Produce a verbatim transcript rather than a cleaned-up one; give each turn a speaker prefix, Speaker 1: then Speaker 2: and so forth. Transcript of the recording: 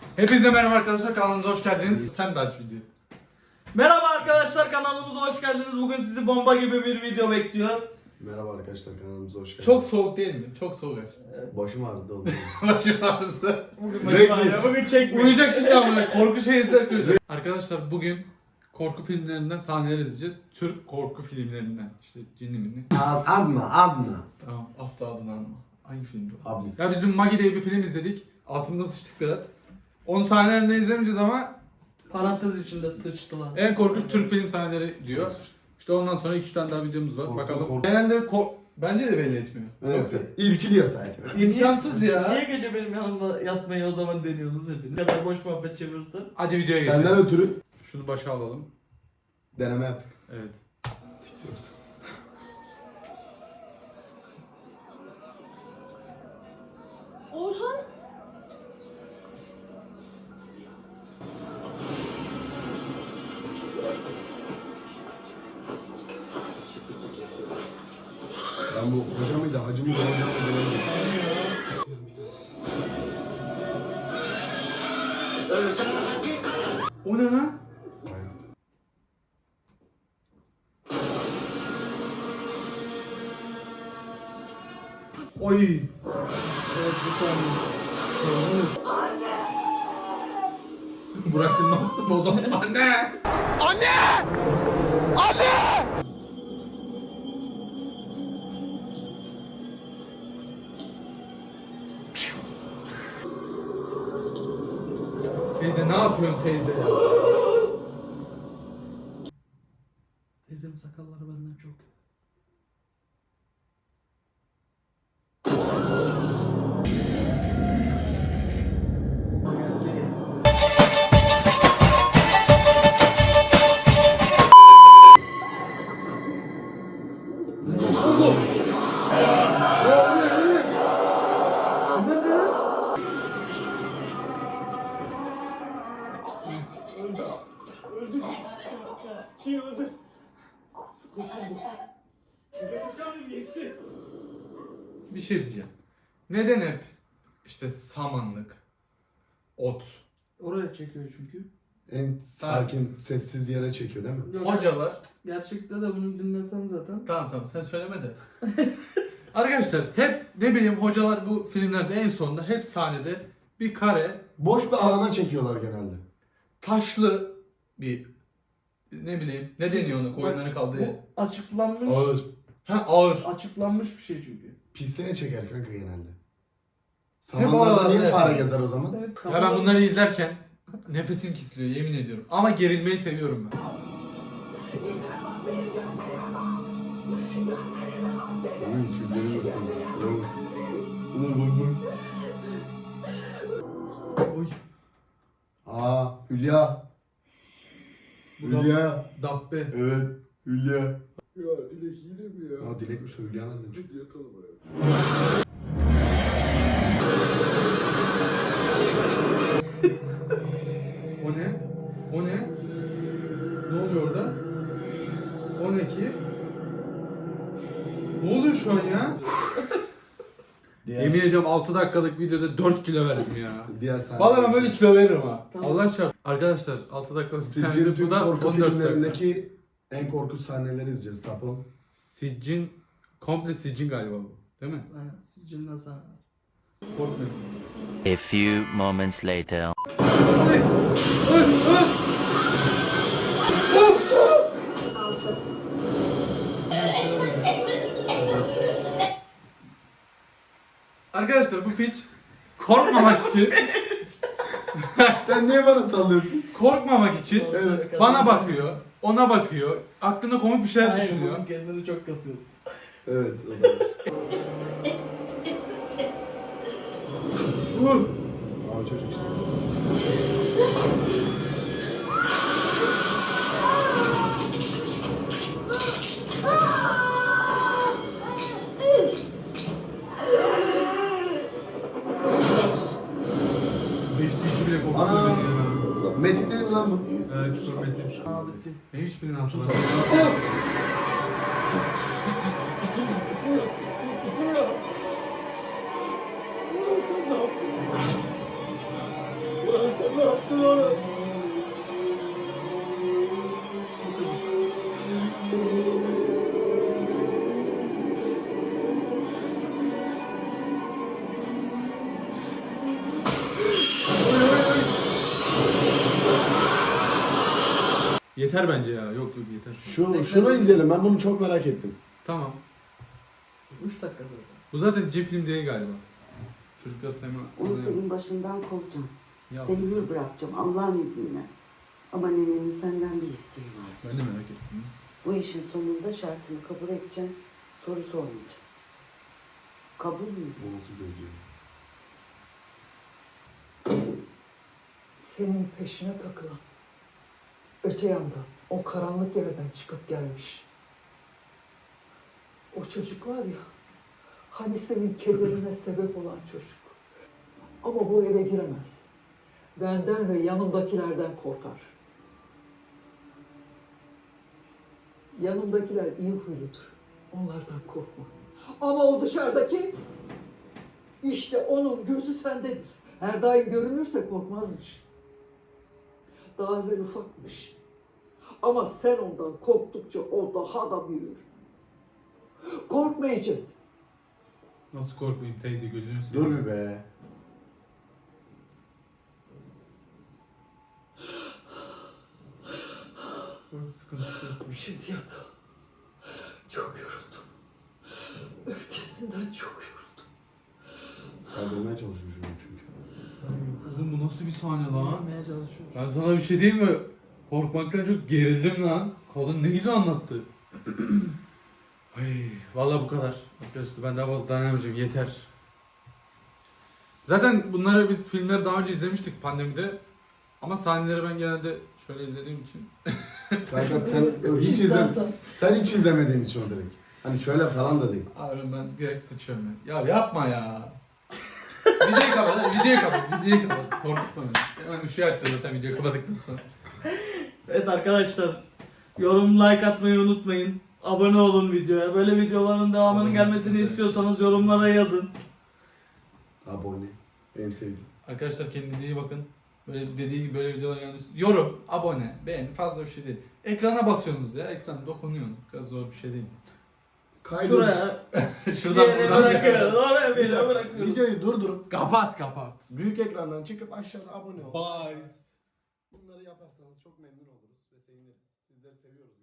Speaker 1: Hepinize merhaba arkadaşlar, kanalımıza hoş geldiniz. Sen de aç video.
Speaker 2: Merhaba arkadaşlar, kanalımıza hoş geldiniz. Bugün sizi bomba gibi bir video bekliyor.
Speaker 3: Merhaba arkadaşlar, kanalımıza hoş geldiniz.
Speaker 1: Çok soğuk değil mi? Çok soğuk açtı.
Speaker 2: Evet.
Speaker 3: Başım ağrıdı oldu.
Speaker 1: Başım ağrısı.
Speaker 2: Bugün
Speaker 3: Peki.
Speaker 2: başım ağrıyor, bugün çekmiyor.
Speaker 1: Uyuyacak şimdi ama korku şey izler. Arkadaşlar bugün korku filmlerinden sahneler izleyeceğiz. Türk korku filmlerinden. İşte cinli minli.
Speaker 3: Ad- Adna, Adna.
Speaker 1: Tamam, asla adını anma. Hangi filmdi o?
Speaker 3: Ablis.
Speaker 1: Ya biz dün Magi diye bir film izledik. Altımıza sıçtık biraz. Onun sahnelerini izlemeyeceğiz ama
Speaker 2: Parantez içinde sıçtılar.
Speaker 1: en korkunç Türk film sahneleri diyor. İşte ondan sonra iki üç tane daha videomuz var.
Speaker 3: Korku,
Speaker 1: Bakalım.
Speaker 3: korku.
Speaker 1: Genelde ko- bence de belli etmiyor.
Speaker 3: Evet,
Speaker 1: Yoksa
Speaker 3: irkiliyor sadece.
Speaker 1: imkansız ya.
Speaker 2: Niye gece benim yanımda yatmayı o zaman deniyorsunuz hepiniz? Ne kadar boş muhabbet çevirirsen.
Speaker 1: Hadi videoya geçelim.
Speaker 3: Senden ötürü
Speaker 1: Şunu başa alalım.
Speaker 3: deneme yaptık.
Speaker 1: Evet.
Speaker 3: Siktir.
Speaker 4: Orhan?
Speaker 3: Ben bu hoca mıydı, hacı mıydı, hoca mıydı?
Speaker 1: O ne lan?
Speaker 3: Bayağı.
Speaker 1: Oy.
Speaker 2: Evet, bu saniye.
Speaker 1: Burak Yılmaz modum. Anne. Teyze ne yapıyorsun teyze ya?
Speaker 2: Teyzenin sakalları benden çok.
Speaker 1: Bir şey diyeceğim. Neden hep işte samanlık, ot,
Speaker 2: Oraya çekiyor çünkü.
Speaker 3: En sakin, sessiz yere çekiyor değil mi?
Speaker 2: Yok,
Speaker 1: hocalar.
Speaker 2: Gerçekte de bunu dinlesen zaten.
Speaker 1: Tamam tamam sen söyleme de. Arkadaşlar hep ne bileyim hocalar bu filmlerde en sonunda hep sahnede bir kare
Speaker 3: Boş bir alana çekiyorlar genelde.
Speaker 1: taşlı bir ne bileyim ne deniyor ona koyunların
Speaker 2: Bak,
Speaker 1: kaldığı.
Speaker 2: Bu açıklanmış.
Speaker 3: Ağır.
Speaker 1: Ha ağır.
Speaker 2: Açıklanmış bir şey çünkü.
Speaker 3: Pisliğe çeker kanka genelde.
Speaker 1: Hep
Speaker 3: Samanlarda
Speaker 1: oralarda
Speaker 3: niye fare
Speaker 1: yapıyor.
Speaker 3: gezer o zaman?
Speaker 2: Senin
Speaker 1: Ya
Speaker 2: kafanı-
Speaker 1: ben bunları izlerken nefesim kesiliyor yemin ediyorum. Ama gerilmeyi seviyorum ben.
Speaker 3: Oy, tüyleri yok. Şuna bak. Ulan bak bak.
Speaker 1: Oy.
Speaker 3: Aa, Hülya.
Speaker 1: Bu da
Speaker 3: Hülya.
Speaker 1: Dabbe.
Speaker 3: Evet, Hülya.
Speaker 5: Ya Dilek yine mi ya?
Speaker 3: Aa, Dilekmiş o, Hülya nereden çıktı?
Speaker 5: Hadi yakalım ya.
Speaker 1: O ne? O ne? Ne oluyor orada? O ne ki? Ne oluyor şu an ya?
Speaker 3: Diğer,
Speaker 1: Yemin ediyorum altı dakikalık videoda dört kilo verdim ya.
Speaker 3: diğer sahne.
Speaker 1: Vallahi ben böyle kilo veririm ha.
Speaker 2: Tamam.
Speaker 1: Allah çarp. Arkadaşlar altı dakikalık
Speaker 3: Siccin
Speaker 1: sahne
Speaker 3: tüm
Speaker 1: bu da
Speaker 3: korku
Speaker 1: on dört dakika.
Speaker 3: filmlerindeki en korkunç sahneleri izleyeceğiz tapon.
Speaker 1: Siccin, komple Siccin galiba bu. Değil mi?
Speaker 2: Aynen, sicilden sana.
Speaker 1: Korkmuyorum.
Speaker 6: A few moments later.
Speaker 1: Arkadaşlar bu piç korkmamak için
Speaker 3: Sen niye bana sallıyorsun?
Speaker 1: korkmamak için
Speaker 3: Evet.
Speaker 1: bana bakıyor, ona bakıyor, aklında komik bir şeyler
Speaker 2: Aynen,
Speaker 1: düşünüyor.
Speaker 2: bunun kendini çok kasıyor.
Speaker 3: Evet, o da var. Uh! Aa, çocuk işte.
Speaker 1: Beşti işi bile korkutuyor
Speaker 3: Ana!
Speaker 1: beni ya.
Speaker 3: Metin değil mi lan bu?
Speaker 1: Evet, Çukur Metin.
Speaker 2: Abisi.
Speaker 1: Ben hiçbirinin hatırlamıyorum.
Speaker 5: Ulan sen ne yaptın ona?
Speaker 2: Bu kız işte.
Speaker 1: Yeter bence ya. Yok yok yeter.
Speaker 3: Şu, şunu izleyelim. Ben bunu çok merak ettim.
Speaker 1: Tamam.
Speaker 2: üç dakika zaten.
Speaker 1: Bu zaten C film değil galiba. Çocuklar sevme.
Speaker 4: Onu
Speaker 1: sevme-
Speaker 4: senin başından kovacağım.
Speaker 1: Ya,
Speaker 4: Seni hür bırakacağım Allah'ın izniyle. Ama nenenin senden bir isteği var.
Speaker 1: ben de merak ettim.
Speaker 4: Bu işin sonunda şartını kabul edeceğim. Soru sormayacağım. Kabul mü?
Speaker 3: O nasıl gözü?
Speaker 7: Senin peşine takılan, öte yandan, o karanlık yerden çıkıp gelmiş. O çocuk var ya, hani senin kederine sebep olan çocuk. Ama bu eve giremez. Benden ve yanımdakilerden korkar. Yanımdakiler iyi huyludur. Onlardan korkma. Ama o dışarıdaki, işte onun gözü sendedir. Her daim görünürse korkmazmış. Daha evvel ufakmış. Ama sen ondan korktukça o daha da büyür. Korkmayacak.
Speaker 1: Nasıl korkmayayım teyze gözünü seveyim.
Speaker 3: Dur bir be.
Speaker 1: Sıkıntı yok.
Speaker 7: Şimdi yatağa. Çok yoruldum. Öfkesinden çok yoruldum.
Speaker 3: Saldırmaya çalışıyor şu an çünkü.
Speaker 1: Oğlum bu nasıl bir sahne lan?
Speaker 2: Anlamaya çalışıyor.
Speaker 1: Ben sana bir şey diyeyim mi? Korkmaktan çok gerildim lan. Kadın ne güzel anlattı. Ay, vallahi bu kadar. Arkadaşlar ben daha fazla dayanamayacağım. Yeter. Zaten bunları biz filmleri daha önce izlemiştik pandemide. Ama sahneleri ben genelde şöyle izlediğim için.
Speaker 3: Kanka sen hiç izle, sen hiç izlemediğin için o direkt. Hani şöyle falan da değil.
Speaker 1: Abi ben direkt sıçıyorum ya. Ya yapma ya. Videoyu kapat, videoyu kapat, videoyu kapat. Korkutma beni. Hemen ışığı açacağız zaten videoyu kapattıktan sonra.
Speaker 2: Evet arkadaşlar, yorum like atmayı unutmayın. Abone olun videoya. Böyle videoların devamının
Speaker 1: Abone
Speaker 2: gelmesini
Speaker 1: olun.
Speaker 2: istiyorsanız yorumlara yazın.
Speaker 3: Abone. En sevdiğim.
Speaker 1: Arkadaşlar kendinize iyi bakın. Böyle dediği gibi böyle videolar gelmesi. Yorum, abone, beğen fazla bir şey değil. Ekrana basıyorsunuz ya. Ekran dokunuyorsunuz. Bu kadar zor bir şey değil.
Speaker 3: Kaydı.
Speaker 2: Şuraya
Speaker 1: Şuradan
Speaker 2: bir yere
Speaker 1: buradan.
Speaker 2: bırakıyoruz. Oraya bir
Speaker 3: Bir
Speaker 2: yere
Speaker 3: dakika,
Speaker 2: bırakıyoruz.
Speaker 3: videoyu durdurup
Speaker 1: Kapat kapat.
Speaker 3: büyük ekrandan çıkıp aşağıda abone ol.
Speaker 1: Bye.
Speaker 3: Bunları yaparsanız çok memnun oluruz ve seviniriz. Sizleri seviyoruz.